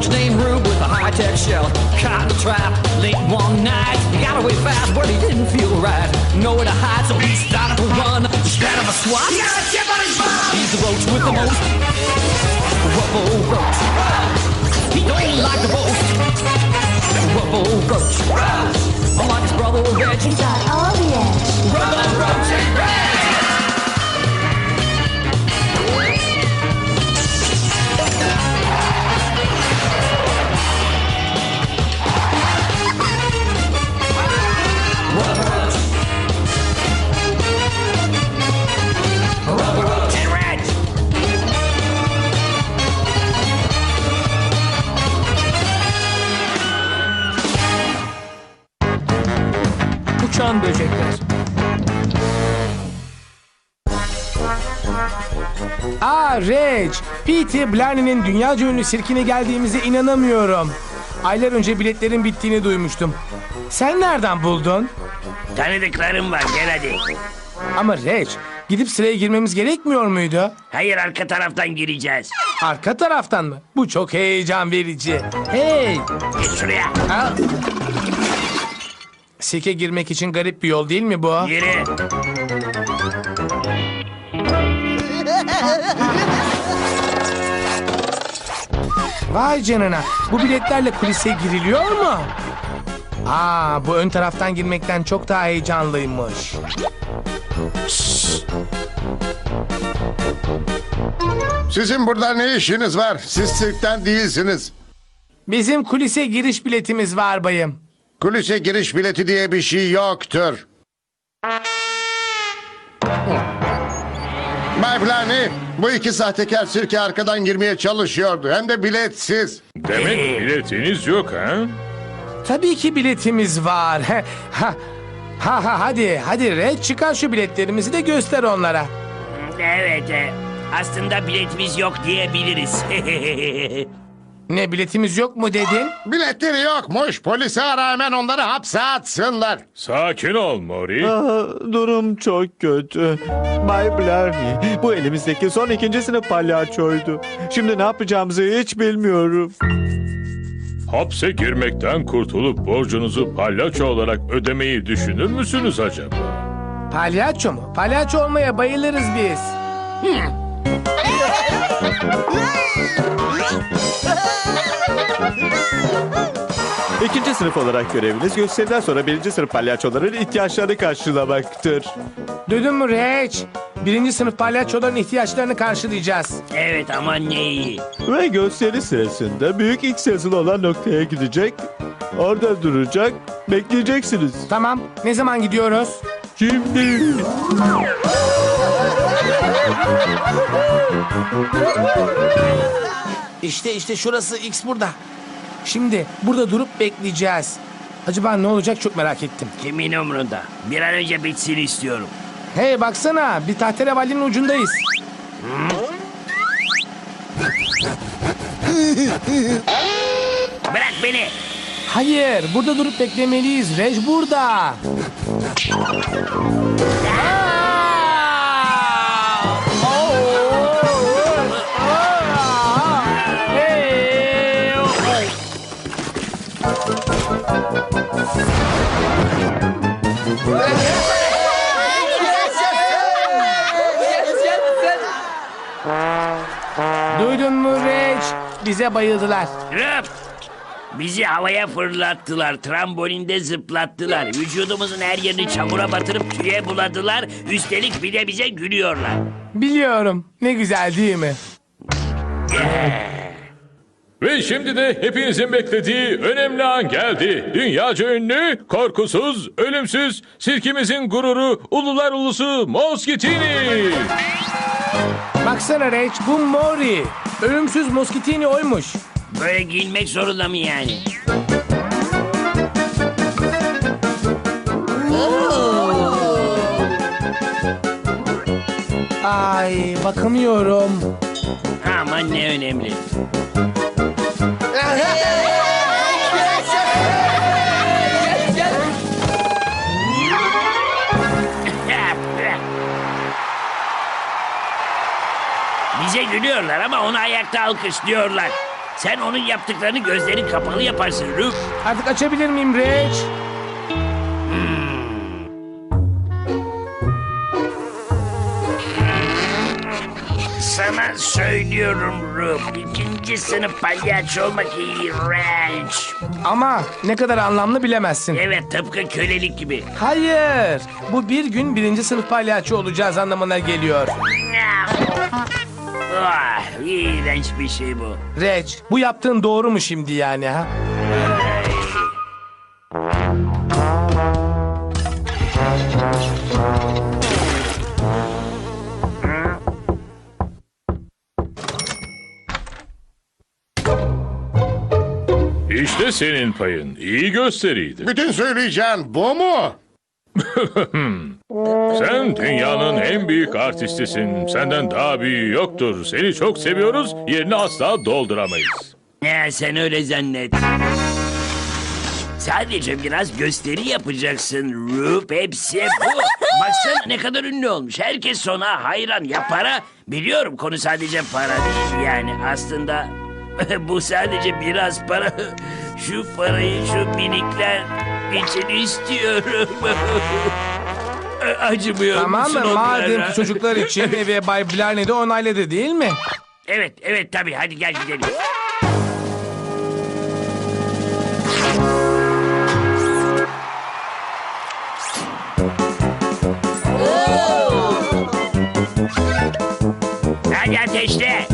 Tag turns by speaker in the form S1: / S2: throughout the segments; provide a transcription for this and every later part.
S1: roach named Rube with a high-tech shell. Caught in a trap late one night. He got away fast, but he didn't feel right. Nowhere to hide, so he started to run. Instead of a swat, he got a chip on his butt. He's the roach with the most rubble roach. He don't like to boast. Rubble roach. Unlike his brother Reg,
S2: He's got all the edge.
S1: Rubble roach and Reg. Uçan böcekler.
S3: Reg, P.T. Blarney'nin dünyaca ünlü sirkine geldiğimize inanamıyorum. Aylar önce biletlerin bittiğini duymuştum. Sen nereden buldun?
S4: Tanıdıklarım var, gel hadi.
S3: Ama Reg, gidip sıraya girmemiz gerekmiyor muydu?
S4: Hayır, arka taraftan gireceğiz.
S3: Arka taraftan mı? Bu çok heyecan verici. Hey!
S4: Geç şuraya.
S3: Ha? Sirke girmek için garip bir yol değil mi bu?
S4: Yürü.
S3: Vay canına. Bu biletlerle kulise giriliyor mu? Bu ön taraftan girmekten çok daha heyecanlıymış.
S5: Sizin burada ne işiniz var? Siz sirkten değilsiniz.
S3: Bizim kulise giriş biletimiz var bayım.
S5: Kulise giriş bileti diye bir şey yoktur. Bay Blarney, bu iki sahtekar sirke arkadan girmeye çalışıyordu. Hem de biletsiz.
S6: Demek biletiniz yok ha?
S3: Tabii ki biletimiz var. Hadi Red, çıkar şu biletlerimizi de göster onlara.
S4: Evet, aslında biletimiz yok diyebiliriz.
S3: Ne, biletimiz yok mu dedin?
S5: Biletleri yokmuş. Polise ara, hemen onları hapse atsınlar.
S6: Sakin ol Mori.
S7: Durum çok kötü. Bay Blarney, bu elimizdeki son 2. sınıf palyaçoydu. Şimdi ne yapacağımızı hiç bilmiyorum.
S6: Hapse girmekten kurtulup borcunuzu palyaço olarak ödemeyi düşünür müsünüz acaba?
S3: Palyaço mu? Palyaço olmaya bayılırız biz.
S7: İkinci sınıf olarak göreviniz gösteriden sonra 1. sınıf palyaçoların ihtiyaçlarını karşılamaktır.
S3: Duydun mu Reg? 1. sınıf palyaçoların ihtiyaçlarını karşılayacağız.
S4: Evet, ama ne iyi.
S7: Ve gösteri sırasında büyük X yazılı olan noktaya gidecek, orada duracak, bekleyeceksiniz.
S3: Tamam, ne zaman gidiyoruz?
S7: Şimdi.
S3: İşte şurası, X burada. Şimdi burada durup bekleyeceğiz. Acaba ne olacak, çok merak ettim.
S4: Kimin umrunda? Bir an önce bitsin istiyorum.
S3: Hey baksana, bir tahterevallinin ucundayız.
S4: Bırak beni.
S3: Hayır, burada durup beklemeliyiz. Reg burada. Duydun mu Reg? Bize bayıldılar.
S4: Rıp! Bizi havaya fırlattılar, trambolinde zıplattılar. Vücudumuzun her yerini çamura batırıp tüye buladılar. Üstelik bir de bize gülüyorlar.
S3: Biliyorum. Ne güzel değil mi?
S6: Ve şimdi de hepinizin beklediği önemli an geldi. Dünyaca ünlü, korkusuz, ölümsüz, sirkimizin gururu, ulular ulusu Moskitini.
S3: Baksana Reg, bu Mori. Ölümsüz Moskitini oymuş.
S4: Böyle giyinmek zorunda mı yani?
S3: Ay, bakamıyorum.
S4: Aman ne önemli. Bize gülüyorlar ama onu ayakta alkışlıyorlar. Sen onun yaptıklarını gözlerin kapalı yaparsın Rup.
S3: Artık açabilir miyim Reg?
S4: Sana söylüyorum Rup. 2. sınıf palyaço olmak iğrenç.
S3: Ama ne kadar anlamlı bilemezsin.
S4: Evet, tıpkı kölelik gibi.
S3: Hayır. Bu bir gün 1. sınıf palyaço olacağız anlamına geliyor.
S4: Ah, iğrenç bir şey bu.
S3: Reg, bu yaptığın doğru mu şimdi yani ha?
S6: İşte senin payın. İyi gösteriydi.
S5: Bütün söyleyeceğin bu mu?
S6: Sen dünyanın en büyük artistisin. Senden daha büyüğü yoktur. Seni çok seviyoruz. Yerini asla dolduramayız.
S4: Ya sen öyle zannet. Sadece biraz gösteri yapacaksın Rup. Hepsi bu. Baksana ne kadar ünlü olmuş. Herkes ona hayran. Ya para? Biliyorum konu sadece para değil yani. Aslında bu sadece biraz para. Şu parayı şu minikler için istiyorum. Acımıyor
S3: Tamam
S4: musun
S3: mı?
S4: onlara?
S3: Madem ki çocuklar için ve Bay Blarney de onayladı değil mi?
S4: Evet tabii hadi gel gidelim. Hadi ateşle.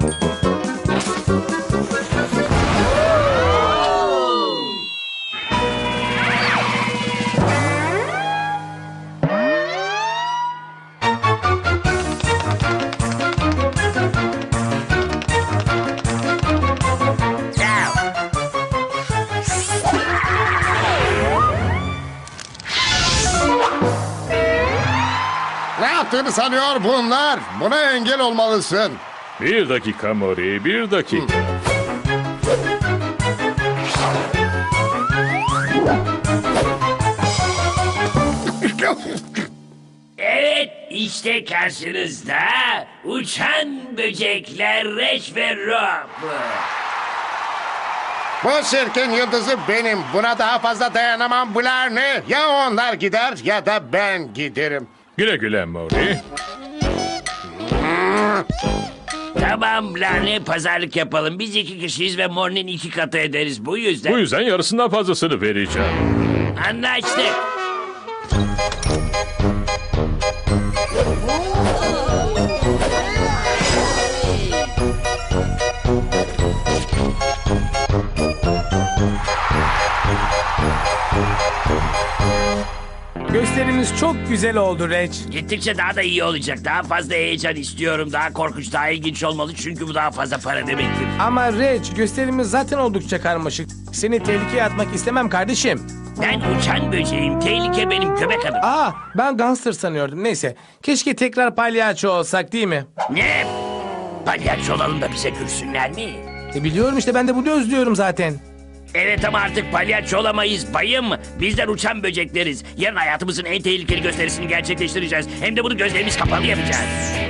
S5: Ne yaptığını sanıyor bunlar? Buna engel olmalısın.
S6: Bir dakika Mori, bir dakika.
S4: Evet, işte karşınızda uçan böcekler Reç ve Rob.
S5: Bu sirkin yıldızı benim. Buna daha fazla dayanamam Blarney. Ya onlar gider ya da ben giderim.
S6: Güle güle Mori.
S4: Tamam Lale, pazarlık yapalım. Biz 2 kişiyiz ve Morning 2 katı ederiz. Bu yüzden
S6: Bu yüzden yarısından fazlasını vereceğim.
S4: anlaştık.
S3: Gösterimiz çok güzel oldu Reg.
S4: Gittikçe daha da iyi olacak. Daha fazla heyecan istiyorum. Daha korkunç, daha ilginç olmalı. Çünkü bu daha fazla para demektir.
S3: Ama Reg, gösterimiz zaten oldukça karmaşık. Seni tehlikeye atmak istemem kardeşim.
S4: Ben uçan böceğim. Tehlike benim köpek adım.
S3: Aa, ben gangster sanıyordum. Neyse, keşke tekrar palyaço olsak değil mi?
S4: Ne? Palyaço olalım da bize gülsünler mi?
S3: Biliyorum işte, ben de bunu özlüyorum zaten.
S4: Evet ama artık palyaço olamayız bayım. Bizler uçan böcekleriz. Yarın hayatımızın en tehlikeli gösterisini gerçekleştireceğiz. Hem de bunu gözlerimiz kapalı yapacağız.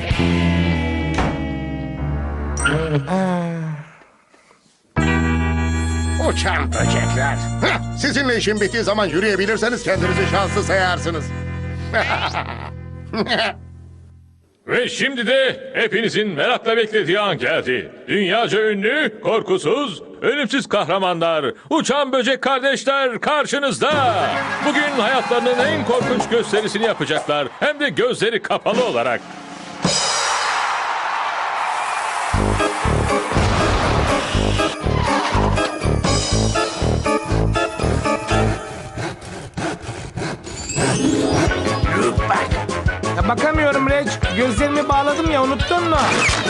S5: Uçan böcekler. Heh, sizinle işim bittiği zaman yürüyebilirseniz kendinizi şanslı sayarsınız.
S6: Ve şimdi de hepinizin merakla beklediği an geldi. Dünyaca ünlü, korkusuz, ölümsüz kahramanlar, uçan böcek kardeşler karşınızda. Bugün hayatlarının en korkunç gösterisini yapacaklar. Hem de gözleri kapalı olarak.
S4: Bak.
S3: Ya bakamıyorum Reg, gözlerimi bağladım ya, unuttun mu?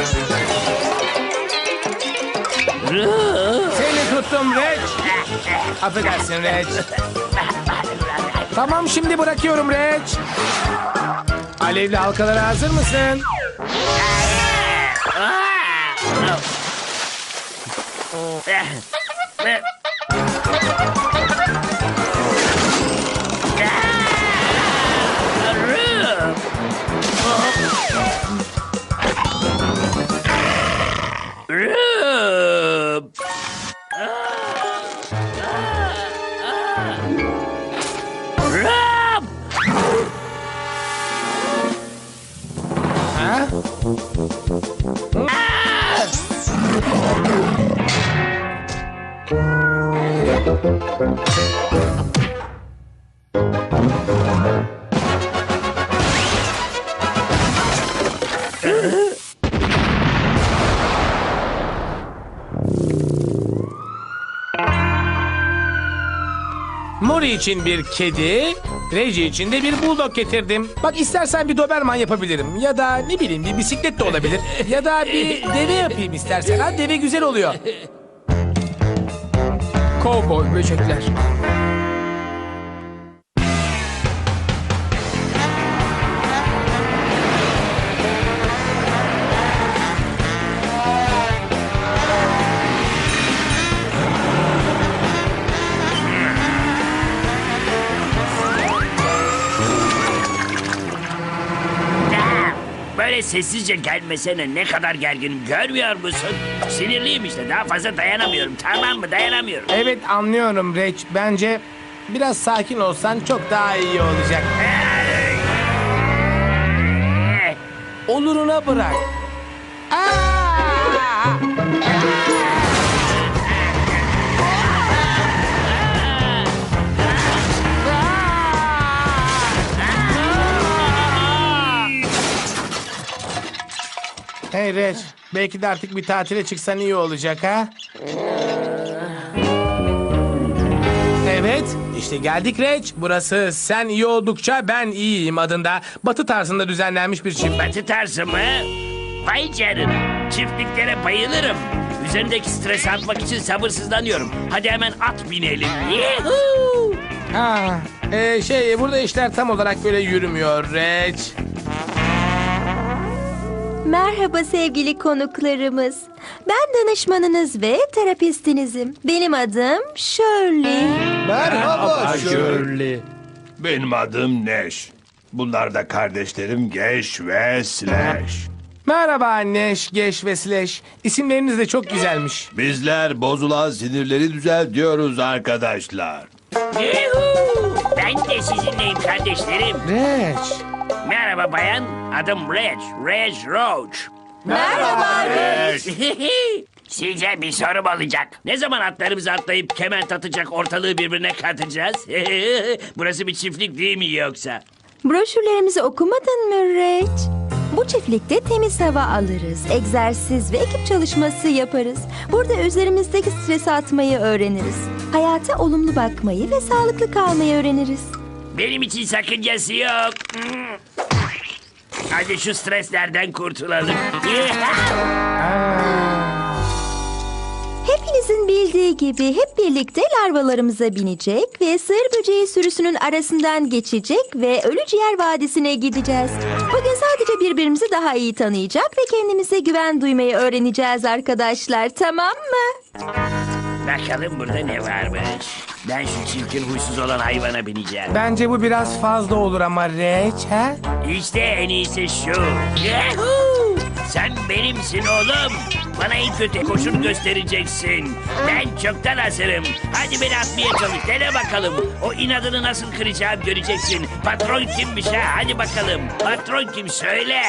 S3: Seni tuttum Reg. Affedersin Reg. Tamam, şimdi bırakıyorum Reg. Alevli halkalara hazır mısın? Mori için bir kedi, Reggie için de bir bulldog getirdim. Bak istersen bir Doberman yapabilirim. Ya da ne bileyim bir bisiklet de olabilir. Ya da bir deve yapayım istersen. Ha, deve güzel oluyor. Kovboy böcekler.
S4: Böyle sessizce gelmesene, ne kadar gerginim görmüyor musun? Sinirliyim işte, daha fazla dayanamıyorum, tamam mı, dayanamıyorum.
S3: Evet anlıyorum Reg. Bence biraz sakin olsan çok daha iyi olacak. Oluruna bırak. Hey Reg, belki de artık bir tatile çıksan iyi olacak ha? Evet, işte geldik Reg. Burası sen iyi oldukça ben iyiyim adında Batı tarzında düzenlenmiş bir çift.
S4: Batı tarzı mı? Vay canına, çiftliklere bayılırım. Üzerindeki stresi atmak için sabırsızlanıyorum. Hadi hemen at binelim. Yuhuu!
S3: Ha, burada işler tam olarak böyle yürümüyor Reg.
S2: Merhaba sevgili konuklarımız. Ben danışmanınız ve terapistinizim. Benim adım Shirley.
S8: Merhaba
S3: Shirley.
S8: Benim adım Neş. Bunlar da kardeşlerim Geş ve Slash.
S3: Merhaba Neş, Geş ve Slash. İsimleriniz de çok güzelmiş.
S8: Bizler bozulan sinirleri düzeltiyoruz arkadaşlar.
S4: Yuhuu! Ben de sizinleyim kardeşlerim.
S3: Reg.
S4: Merhaba bayan, adım Reg Roach.
S2: Merhaba
S4: Size bir sorum olacak. Ne zaman atlarımızı atlayıp kement atacak, ortalığı birbirine katacağız? Burası bir çiftlik değil mi yoksa?
S2: Broşürlerimizi okumadın mı Reg? Bu çiftlikte temiz hava alırız, egzersiz ve ekip çalışması yaparız. Burada üzerimizdeki stresi atmayı öğreniriz. Hayata olumlu bakmayı ve sağlıklı kalmayı öğreniriz.
S4: Benim için sakıncası yok. Hadi şu streslerden kurtulalım.
S2: Hepinizin bildiği gibi hep birlikte larvalarımıza binecek ve sığır böceği sürüsünün arasından geçecek ve Ölü Ciğer Vadisi'ne gideceğiz. Bugün sadece birbirimizi daha iyi tanıyacak ve kendimize güven duymayı öğreneceğiz arkadaşlar, tamam mı?
S4: Bakalım burada ne varmış. Ben şu çirkin huysuz olan hayvana bineceğim.
S3: Bence bu biraz fazla olur ama Reg, ha?
S4: İşte en iyisi şu. Yahoo! Sen benimsin oğlum. Bana en kötü koşunu göstereceksin. Ben çoktan hazırım. Hadi beni atmaya çalış. Dene bakalım. O inadını nasıl kıracağım göreceksin. Patron kimmiş ha? Hadi bakalım. Patron kim söyle.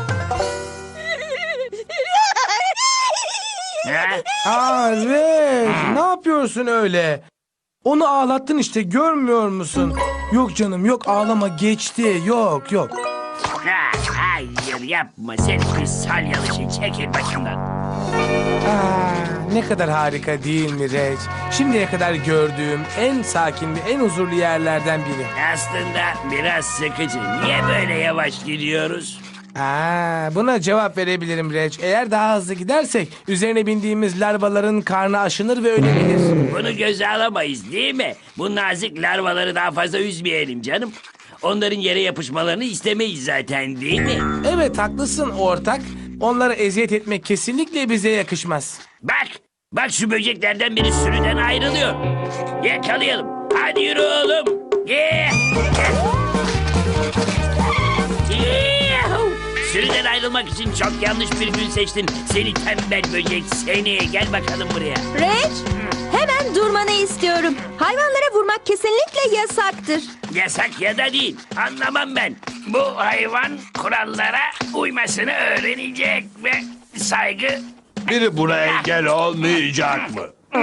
S4: Ha?
S3: Reg, ne yapıyorsun öyle? Onu ağlattın işte, görmüyor musun? Yok canım, yok ağlama, geçti. Yok.
S4: Ha, hayır yapma. Sen bir salyalı şey. Çekil başımdan.
S3: Ne kadar harika değil mi Reg? Şimdiye kadar gördüğüm en sakin ve en huzurlu yerlerden biri.
S4: Aslında biraz sıkıcı. Niye böyle yavaş gidiyoruz?
S3: Buna cevap verebilirim Reg. Eğer daha hızlı gidersek üzerine bindiğimiz larvaların karnı aşınır ve ölebilir.
S4: Bunu göze alamayız değil mi? Bu nazik larvaları daha fazla üzmeyelim canım. Onların yere yapışmalarını istemeyiz zaten değil mi?
S3: Evet haklısın ortak. Onlara eziyet etmek kesinlikle bize yakışmaz.
S4: Bak şu böceklerden biri sürüden ayrılıyor. Yakalayalım. Hadi yürü oğlum. Sürüden ayrılmak için çok yanlış bir gün seçtin. Seni tembel böcek seni. Gel bakalım buraya.
S2: Reg, hemen durmanı istiyorum. Hayvanlara vurmak kesinlikle yasaktır.
S4: Yasak ya da değil. Anlamam ben. Bu hayvan kurallara uymasını öğrenecek ve saygı...
S8: Biri buna engel olmayacak mı?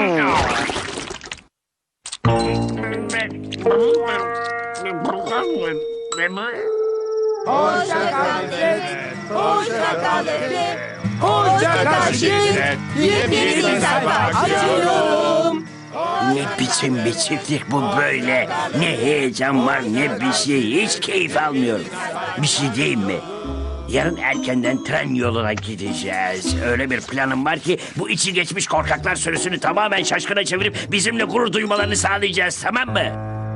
S2: Hoşça kal Fred. Hoşça kal Fred.
S3: Hoşça kal
S8: Şirket.
S2: Yepyeni bir sayfa açıyorum.
S4: Ne biçim bir çiftlik bu böyle? Ne heyecan var ne bir şey. Hiç keyif almıyorum. Bir şey diyeyim mi? Yarın erkenden tren yoluna gideceğiz. Öyle bir planım var ki bu içi geçmiş korkaklar sürüsünü tamamen şaşkına çevirip bizimle gurur duymalarını sağlayacağız, tamam mı?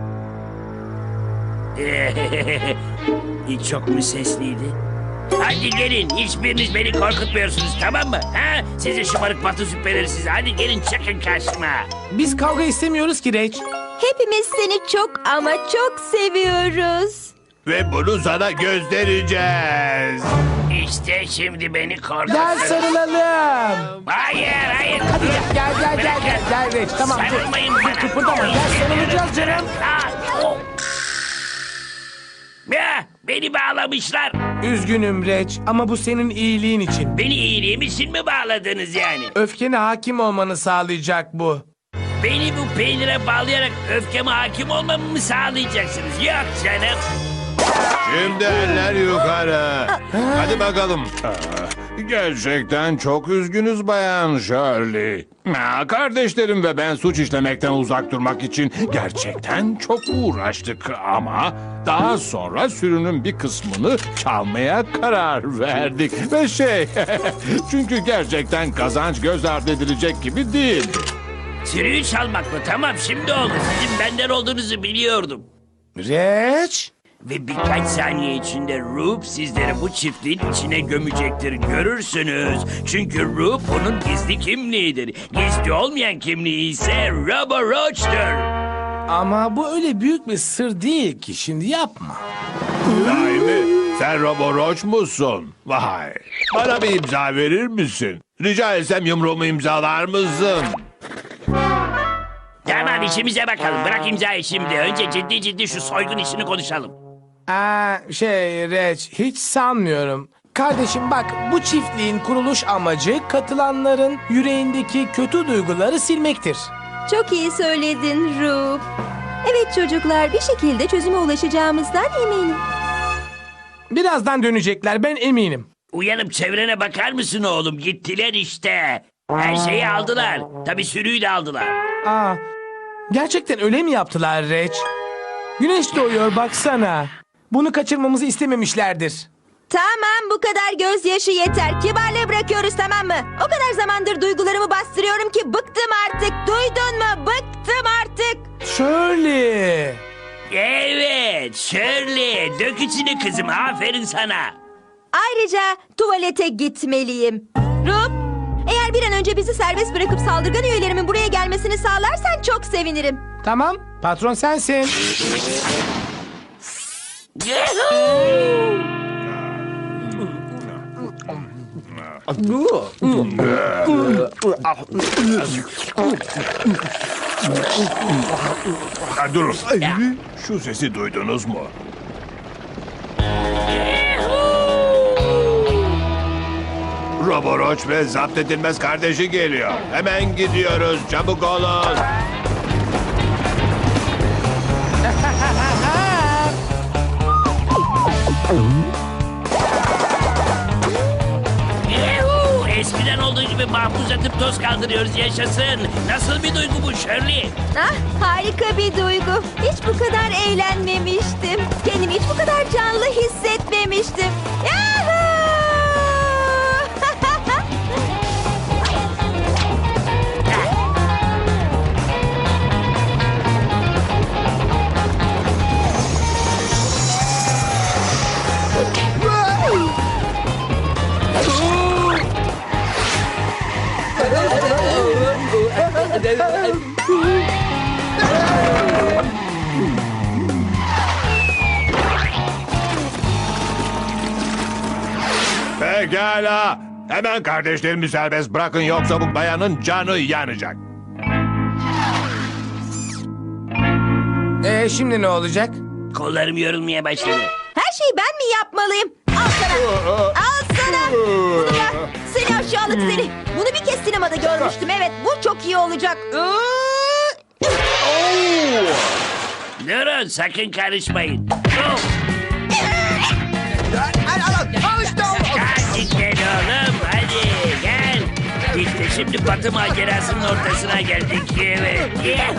S4: Hiç çok mu sesliydi? Hadi gelin, hiçbiriniz beni korkutmuyorsunuz, tamam mı? Ha? Sizi şımarık batı süpeleri size. Hadi gelin çıkın karşıma.
S3: Biz kavga istemiyoruz ki Reç.
S2: Hepimiz seni çok ama çok seviyoruz.
S8: Ve bunu sana göstereceğiz.
S4: İşte şimdi beni
S3: Gel
S4: korkutun.
S3: sarılalım.
S4: Hayır, hayır.
S3: Hadi gel Reç. Tamam dur.
S4: Sarılmayın bana.
S3: Kıpırdama gel sarılacağız canım.
S4: Ya, beni bağlamışlar.
S3: Üzgünüm Reç ama bu senin iyiliğin için.
S4: Beni iyiliğim için mi bağladınız yani?
S3: Öfkene hakim olmanı sağlayacak bu.
S4: Beni bu peynire bağlayarak öfkeme hakim olmamı mı sağlayacaksınız? Yok canım.
S8: Şimdi eller yukarı. Hadi bakalım. Gerçekten çok üzgünüz Bayan Shirley. Kardeşlerim ve ben suç işlemekten uzak durmak için gerçekten çok uğraştık ama daha sonra sürünün bir kısmını çalmaya karar verdik. Ve çünkü gerçekten kazanç göz ardı edilecek gibi değildi.
S4: Sürüyü çalmak mı? Tamam şimdi oldu. Sizin benden olduğunuzu biliyordum.
S3: Reç.
S4: Ve birkaç saniye içinde Rup sizleri bu çiftliğin içine gömecektir. Görürsünüz. Çünkü Rup onun gizli kimliğidir. Gizli olmayan kimliği ise Robo Roach'tur.
S3: Ama bu öyle büyük bir sır değil ki şimdi yapma.
S8: Sahi mi? Sen Robo Roach musun? Vay. Bana bir imza verir misin? Rica etsem yumruğumu imzalar mısın?
S4: Tamam işimize bakalım. Bırak imzayı şimdi. Önce ciddi ciddi şu soygun işini konuşalım.
S3: Reç hiç sanmıyorum. Kardeşim bak bu çiftliğin kuruluş amacı katılanların yüreğindeki kötü duyguları silmektir.
S2: Çok iyi söyledin Rup. Evet çocuklar bir şekilde çözüme ulaşacağımızdan eminim.
S3: Birazdan dönecekler ben eminim.
S4: Uyanıp çevrene bakar mısın oğlum? Gittiler işte. Her şeyi aldılar. Tabii sürüyü de aldılar.
S3: Gerçekten öyle mi yaptılar Reç? Güneş doğuyor baksana. Bunu kaçırmamızı istememişlerdir.
S2: Tamam bu kadar gözyaşı yeter. Kibarlığı bırakıyoruz tamam mı? O kadar zamandır duygularımı bastırıyorum ki bıktım artık. Duydun mu? Bıktım artık.
S3: Şöyle.
S4: Evet Shirley. Dök içini kızım. Aferin sana.
S2: Ayrıca tuvalete gitmeliyim. Rup, eğer bir an önce bizi serbest bırakıp saldırgan üyelerimin buraya gelmesini sağlarsan çok sevinirim.
S3: Tamam patron sensin.
S8: Durun. Şu sesi duydunuz mu? Robo Roach ve zapt edilmez kardeşi geliyor. Hemen gidiyoruz. Çabuk olun.
S4: Eskiden olduğu gibi mahpus atıp toz kaldırıyoruz yaşasın. Nasıl bir duygu bu Shirley?
S2: Ah, harika bir duygu. Hiç bu kadar eğlenmemiştim. Kendimi hiç bu kadar canlı hissetmemiştim. Yahoo!
S8: Pekala. Hemen kardeşlerimi serbest bırakın yoksa bu bayanın canı yanacak.
S3: Şimdi ne olacak?
S4: Kollarım yorulmaya başladı.
S2: Her şeyi ben mi yapmalıyım? Al sana. Al sana. Bunu da seni aşağılık seni. Bunu bir kez sinemada görmüştüm. Evet, bu çok iyi olacak.
S4: Durun, sakın karışmayın. Oh. Hadi gel oğlum, hadi gel. İşte şimdi Batı macerasının ortasına geldik. Evet.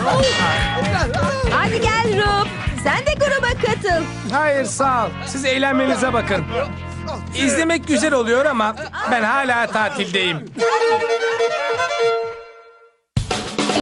S2: Hadi gel Rup. Sen de gruba katıl.
S3: Hayır sağ ol. Siz eğlenmenize bakın. İzlemek güzel oluyor ama ben hala tatildeyim.